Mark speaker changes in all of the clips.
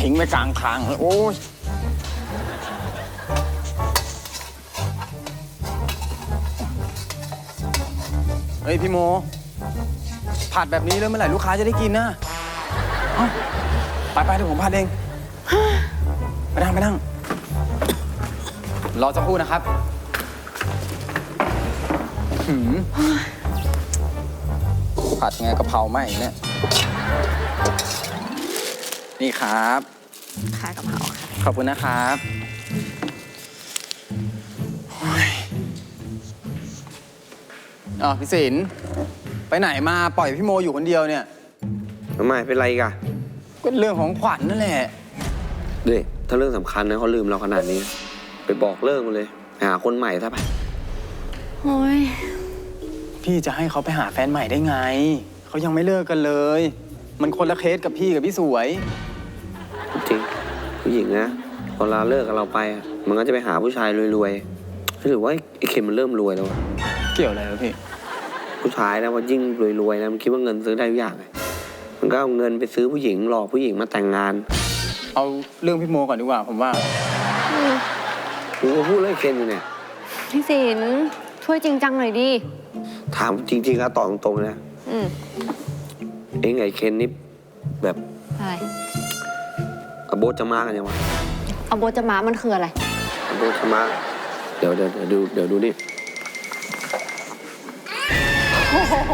Speaker 1: ทิ้งไว้กลางทางโอ้ยเฮ้ยพี่โมผัดแบบนี้แล้วเมื่อไหร่ลูกค้าจะได้กินนะเอ้าไปเดี๋ยวผมผัดเองไปนั่งรอสักครู่นะครับผัดไงกะเพราไหมเนี่ยนี่ครับ
Speaker 2: ค่ะกะเพราค่ะ
Speaker 1: ขอบคุณนะครับพี่ศิลป์ไปไหนมาปล่อยพี่โมอยู่คนเดียวเนี่ย
Speaker 3: ทำไมเป็นไรกะ
Speaker 1: ก็เรื่องของขวัญนั่นแหละ
Speaker 3: ด้วยถ้าเรื่องสำคัญนะเขาลืมเราขนาดนี้ ไปบอกเลิกมันเลยไปหาคนใหม่ซะไป
Speaker 2: โอ้ย
Speaker 1: พี่จะให้เขาไปหาแฟนใหม่ได้ไงเขายังไม่เลิกกันเลยมันคนละเคสกับพี่กับพี่สวย
Speaker 3: จริงผู้หญิงนะพอเราเลิกกับเราไปมันก็จะไปหาผู้ชายรวยๆหรือว่าไอ้เข็มมันเริ่มรวยแล้ว
Speaker 1: เกี่ยวอะไรวะพี่
Speaker 3: ผู้ชายนะว่ายิ่งรวยๆนะมันคิดว่าเงินซื้อได้ทุกอย่างเลยมันก็เอาเงินไปซื้อผู้หญิงหลอกผู้หญิงมาแต่งงาน
Speaker 1: เอาเรื่องพี่โมก่อนดีกว่าผมว่า
Speaker 3: กูก็พูดเรื่องเคนอยู่เนี่ย
Speaker 2: พี่ศิลป์ช่วยจริงจังหน่อยดิ
Speaker 3: ถามจริงๆแล้วตอบตรงๆนะเองไอ้เคนนี่แบบ
Speaker 2: อะไร
Speaker 3: โบจะมากันยังวะ
Speaker 2: โบจะมามันคืออะไร
Speaker 3: โบจะมาเดี๋ยวดูนี่
Speaker 2: โอ้โห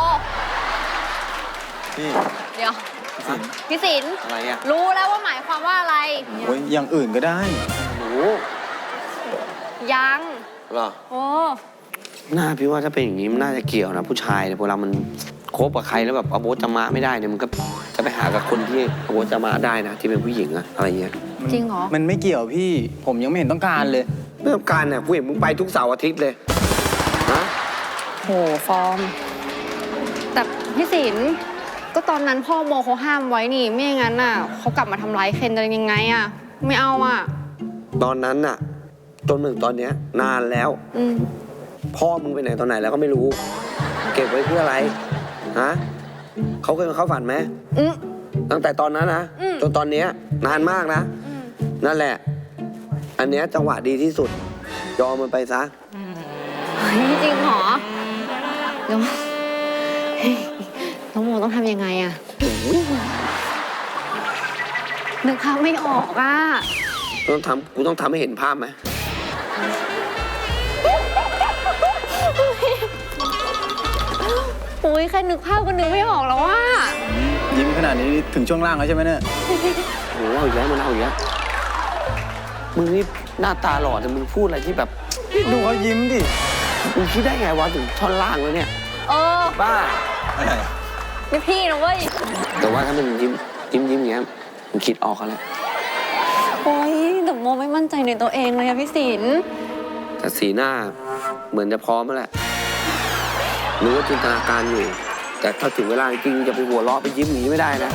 Speaker 1: พี่
Speaker 2: เดี๋ยวพี่ศิลป์
Speaker 3: อะไรอะ
Speaker 2: รู้แล้วว่าหมายความว่าอะไร
Speaker 1: โอ้ยอย่างอื่นก็ได้
Speaker 3: รู้
Speaker 2: ยัง
Speaker 3: หรอ
Speaker 2: โอ้
Speaker 3: น่าพี่ว่าถ้าเป็นอย่างนี้มันน่าจะเกี่ยวนะผู้ชายเนี่ยเวลามันคบกับใครแล้วแบบโบจะมาไม่ได้เนี่ยมันก็จะไปหากับคนที่โบจะมาได้นะที่เป็นผู้หญิงอะอะไรเงี้ย
Speaker 2: จริงเหรอ
Speaker 1: มันไม่เกี่ยวพี่ผมยังไม่เห็นต้องการเลย
Speaker 3: ไม่ต้องการเนี่ยกูเห็นมึงไปทุกเสาร์อาทิตย์เลยนะ
Speaker 2: โหฟอร์มแต่พี่ศิลป์ก็ตอนนั้นพ่อโมเขาห้ามไว้นี่ไม่อย่างนั้นน่ะเขากลับมาทำร้ายเคนจะยังไงอะไม่เอาอะ
Speaker 3: ตอนนั้นน่ะจนถึงตอนเนี้ยนานแล้วพ่อมึงไปไหนตอนไหนแล้วก็ไม่รู้เก็บไว้เพื่ออะไรฮะเขาเคยมาเข้าฝันไหมตั้งแต่ตอนนั้นนะจนตอนเนี้ยนานมากนะนั่นแหละอันเนี้ยจังหวะดีที่สุดยอมมันไปซะ
Speaker 2: จริงเหรอแล้วน้องโมต้องทำยังไงอะนึกภาพไม่ออกอะ
Speaker 3: กูต้องทำให้เห็นภาพไหม
Speaker 2: อุ้ยแค่นึกภาพก็นึกไม่ออกแล้วว่า
Speaker 1: ยิ้มขนาดนี้ถึงช่วงล่างแล้วใช่ไหมเนี่ย
Speaker 3: โอ้โหเอาอีกแล้วมันเอาอีกแล้วมึงนี่หน้าตาหล่อแต่มึงพูดอะไรที่แบบ
Speaker 1: ดูเขายิ้มดิ
Speaker 3: มึงคิดได้ไงวะถึงท่อนล่างแล้วเนี่ยบ้า
Speaker 1: อะไร
Speaker 2: ไม่พี่นะเว้ย
Speaker 3: แต่ว่าถ้ามันยิ้มอย่างเงี้ยมึงคิดออกกันแล้ว
Speaker 2: โอ้ยแต่โมไม่มั่นใจในตัวเองเลยอะพี่ศิลป์
Speaker 3: แต่สีหน้าเหมือนจะพร้อมแล้วแหละรู้ว่าจินตนาการอยู่แต่ถ้าถึงเวลาจริงจะไปหัวเราะไปยิ้มหนีไม่ได้นะ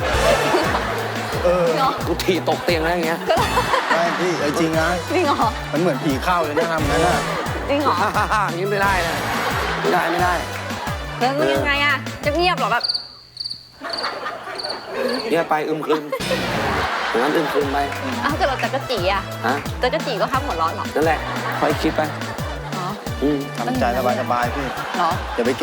Speaker 3: กูถีตกเตียงแล้วอย่างเงี้ย
Speaker 1: ไม่พี่จริงนะ
Speaker 2: จริงเหรอ
Speaker 1: มันเหมือนผีเข้าเลยนะทำงั้นน่ะ
Speaker 2: จริงเหรอ
Speaker 3: ยิ้มไม่ได้นะไม่ได้
Speaker 2: แล้วมันยังไงอะจะเงียบเหรอแบบ
Speaker 3: เงียบไปครึมงั้นครึมไป
Speaker 2: อ้าวเกิดเราจักรจีอะจักรจีก็ห้ามหัวเราะหรอ
Speaker 3: นั่นแหละค่อยคิดไป
Speaker 2: เหรอ
Speaker 1: ทำใจสบายๆพี่
Speaker 2: เหรอ
Speaker 1: อย่าไป